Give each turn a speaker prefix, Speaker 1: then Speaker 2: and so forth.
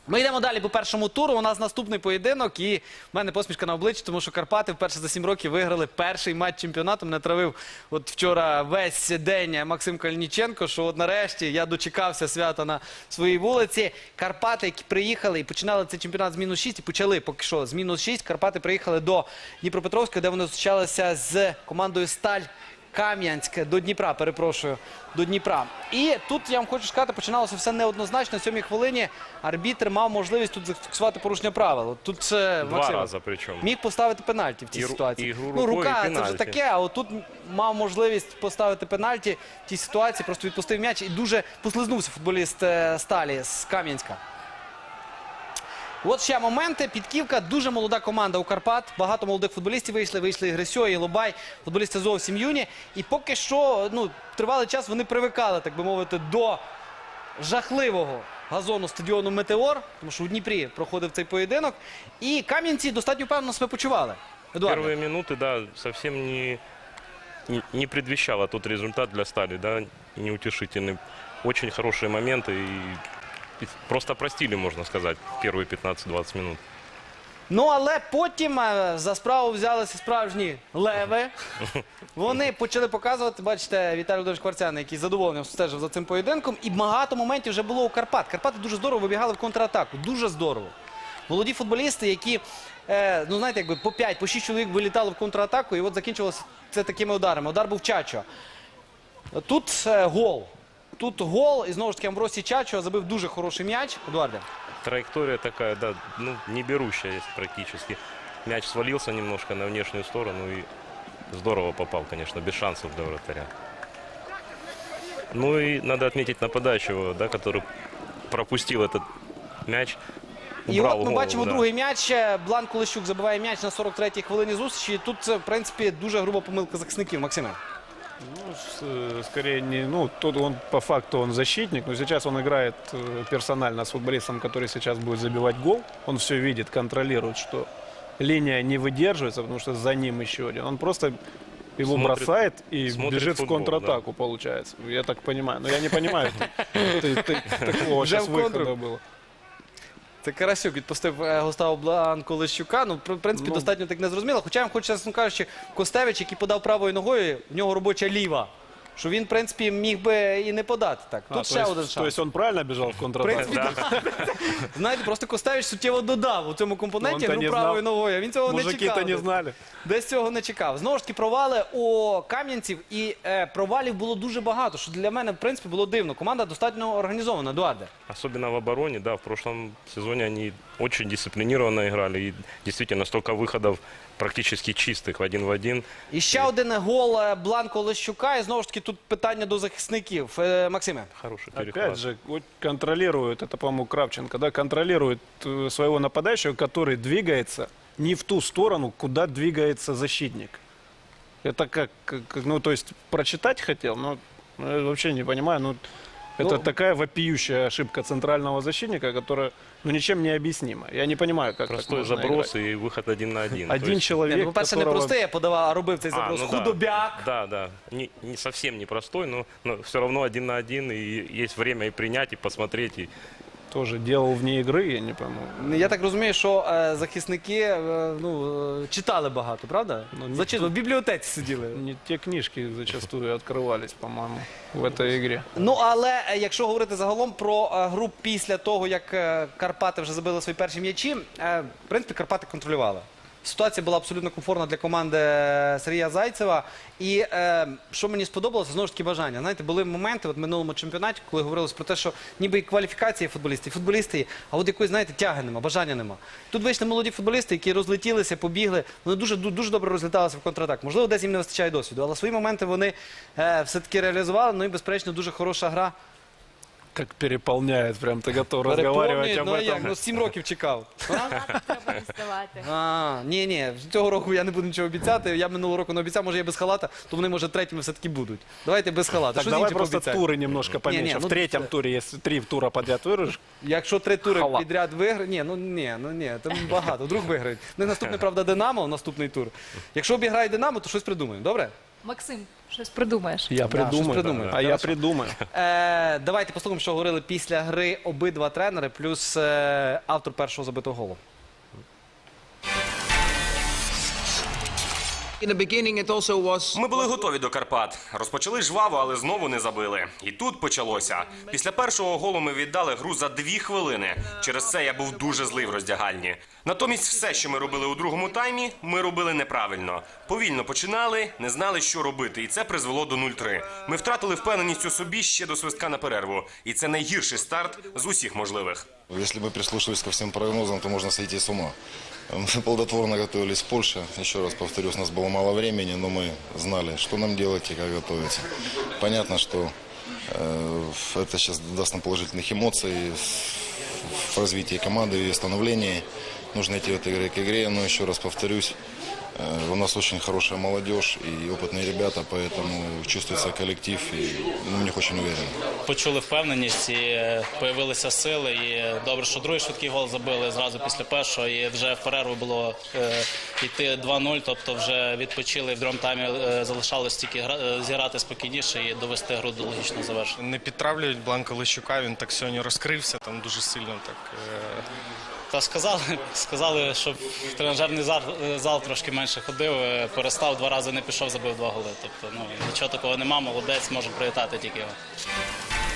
Speaker 1: Ми йдемо далі по першому туру. У нас наступний поєдинок, і в мене посмішка на обличчі, тому що Карпати вперше за 7 років виграли перший матч чемпіонату. Мене травив от вчора весь день Максим Кальніченко, що от нарешті я дочекався свята на своїй вулиці. Карпати, які приїхали і починали цей чемпіонат з мінус 6, і почали поки що з мінус 6. Карпати приїхали до Дніпропетровська, де вони зустрічалися з командою «Сталь Кам'янськ», до Дніпра, перепрошую, до Дніпра. І тут, я вам хочу сказати, починалося все неоднозначно. На 7-й хвилині арбітр мав можливість тут зафіксувати порушення правил. Тут
Speaker 2: Два рази причому.
Speaker 1: Міг поставити пенальті в цій ситуації.
Speaker 2: ігру
Speaker 1: Ну,
Speaker 2: рукою,
Speaker 1: рука,
Speaker 2: і
Speaker 1: це вже
Speaker 2: пенальті.
Speaker 1: таке, а от тут мав можливість поставити пенальті в тій ситуації, просто відпустив м'яч і дуже послизнувся футболіст Сталі з Кам'янська. От ще моменти. Підківка. Дуже молода команда у Карпат. Багато молодих футболістів вийшли. Вийшли і Грисьо, і Лобай. Футболісти зовсім юні. І поки що, тривалий час вони привикали, так би мовити, до жахливого газону стадіону «Метеор», тому що у Дніпрі проходив цей поєдинок. І кам'янці достатньо впевнено себе почували. Едуарде.
Speaker 2: Первые минуты, да, совсем не предвещало тот результат для Стали, да, неутешительный. Очень хорошие моменты и просто простили, можно сказать, первые 15-20 минут.
Speaker 1: Ну, але потім за справу взялися справжні леви. Вони почали показувати, бачите, Віталій Володимирович Кварцян, який з задоволенням стежив за цим поєдинком. І багато моментів вже було у Карпат. Карпати дуже здорово вибігали в контратаку. Дуже здорово. Молоді футболісти, які, знаєте, якби по 5, по 6 чоловік вилітали в контратаку. І от закінчилося це такими ударами. Удар був Чачо. Тут гол. Тут гол. І знову ж таки Амбросій Чачо забив дуже хороший м'яч. Едуарде.
Speaker 2: Траектория такая, да, ну, не берущая практически. Мяч свалился немножко на внешнюю сторону и здорово попал, конечно, без шансов для вратаря. Ну и надо отметить нападающего, да, который пропустил этот мяч.
Speaker 1: І
Speaker 2: Убрал
Speaker 1: от ми
Speaker 2: голову,
Speaker 1: бачимо
Speaker 2: да.
Speaker 1: другий м'яч. Бланк Олещук забиває м'яч на 43-й хвилині зустрічі. І тут, в принципі, дуже груба помилка захисників. Максиме.
Speaker 3: Ну, скорее не, тут он по факту он защитник, но сейчас он играет персонально с футболистом, который сейчас будет забивать гол. Он все видит, контролирует, что линия не выдерживается, потому что за ним еще один. Он просто его бросает и бежит
Speaker 2: футбол,
Speaker 3: в контратаку, получается. Я так понимаю. Но я не понимаю, такого сейчас выхода было.
Speaker 1: Це Карасюк відпустив Густаво Бланку Олещука. Ну, в принципі, достатньо так незрозуміло. Хоча я вам хочу, чесно кажучи, Костевич, який подав правою ногою, в нього робоча ліва. Що він, в принципі, міг би і не подати так. Тут ще один шанс.
Speaker 3: То есть он правильно бежал в контратаку?
Speaker 1: Знаєте, просто Костевич суттєво додав у цьому компоненті гру правою ногою. А він цього не чекав.
Speaker 3: Мужики-то не знали.
Speaker 1: Десь цього не чекав. Знову ж таки, провали у кам'янців. І провалів було дуже багато, що для мене, в принципі, було дивно. Команда достатньо організована. Едуарде.
Speaker 2: Особенно в обороне, да, в прошлом сезоне они очень дисциплинированно играли. И действительно столько выходов практически чистых в один.
Speaker 1: І ще один гол Бланко Олещука. І знову ж таки, тут питання до захисників. Максиме.
Speaker 2: Хороший перехват.
Speaker 3: Опять же, вот контролирует, это, по-моему, Кравченко, да, контролирует своего нападающего, который двигается не в ту сторону, куда двигается защитник. Это как то есть прочитать хотел, но я вообще не понимаю, это такая вопиющая ошибка центрального защитника, которая, ничем не объяснима. Я не понимаю, как
Speaker 2: Простой
Speaker 3: так можно
Speaker 2: заброс
Speaker 3: играть.
Speaker 2: и выход 1 на 1.
Speaker 3: Один человек,
Speaker 1: По-перше, не
Speaker 3: которого...
Speaker 1: простий, я подавав, а робив цей заброс. Худобяк.
Speaker 2: Да. Не совсем непростой, но все равно 1 на 1. И есть время и принять, и посмотреть.
Speaker 3: Тоже делал вне игры, я не пойму.
Speaker 1: Я так розумію, що захисники читали багато, правда? В бібліотеці сиділи.
Speaker 3: Не те книжки зачастую открывались, по-моему, в этой игре.
Speaker 1: Ну, але якщо говорити загалом про гру після того, як Карпати вже забили свої перші м'ячі, в принципі, Карпати контролювали. Ситуація була абсолютно комфортна для команди Сергія Зайцева. І що мені сподобалося, знову ж таки бажання. Знаєте, були моменти в минулому чемпіонаті, коли говорилось про те, що ніби і кваліфікації футболістів, і футболісти є, а от якоїсь, знаєте, тяги нема, бажання нема. Тут вийшли молоді футболісти, які розлетілися, побігли, вони дуже добре розліталися в контратак. Можливо, десь їм не вистачає досвіду, але свої моменти вони все-таки реалізували, ну і, безперечно, дуже хороша гра.
Speaker 3: Как переполняет, прям ты готов разговаривать об этом.
Speaker 1: Ну, 7 років чекав.
Speaker 4: Треба діставати.
Speaker 1: Ні, цього року я не буду нічого обіцяти. Я минулого року не обіцяв, може я без халата, то вони, може, третіми все-таки будуть. Давайте без халата.
Speaker 3: Так,
Speaker 1: Що
Speaker 3: давай
Speaker 1: з іншим
Speaker 3: просто
Speaker 1: пообіцяємо?
Speaker 3: туры немножко поменьше. В третьем туре, если 3 тура подряд выиграешь,
Speaker 1: Якщо 3 тури
Speaker 3: Халат.
Speaker 1: підряд виграють, ні, там багато, вдруг виграють. Не наступний, правда, Динамо, наступний тур. Якщо обіграє Динамо, то щось придумаємо, добре?
Speaker 4: Максим, Щось придумаєш.
Speaker 3: Я
Speaker 1: щось
Speaker 3: придумаю.
Speaker 1: придумаю.
Speaker 3: А я
Speaker 1: Хорошо.
Speaker 3: придумаю.
Speaker 1: Давайте послухаємо, що говорили після гри обидва тренери, плюс автор першого забитого голу.
Speaker 5: Ми були готові до Карпат. Розпочали жваво, але знову не забили. І тут почалося. Після першого голу ми віддали гру за 2 хвилини. Через це я був дуже злий в роздягальні. Натомість все, що ми робили у другому таймі, ми робили неправильно. Повільно починали, не знали, що робити. І це призвело до 0-3. Ми втратили впевненість у собі ще до свистка на перерву. І це найгірший старт з усіх можливих.
Speaker 6: Если бы прислушивались ко всем прогнозам, то можно сойти с ума. Мы плодотворно готовились в Польше. Еще раз повторюсь, у нас было мало времени, но мы знали, что нам делать и как готовиться. Понятно, что это сейчас даст нам положительных эмоций в развитии команды и становлении. Нужно идти от игры к игре, но еще раз повторюсь, у нас очень хорошая молодежь и опытные ребята, поэтому чувствуется коллектив, и мы в них очень уверены.
Speaker 7: Почули впевненість і появилися сили. І добре, що другий швидкий гол забили зразу після першого. І вже в перерву було йти 2-0, тобто вже відпочили. І в другому таймі залишалось тільки зіграти спокійніше і довести гру до логічного завершення.
Speaker 8: Не підтравлюють Бланка Лещука, він так сьогодні розкрився, там дуже сильно так.
Speaker 7: Та сказали, щоб в тренажерний зал трошки менше ходив, перестав 2 рази, не пішов, забив 2 голи. Тобто, нічого такого нема, молодець, можу привітати тільки його.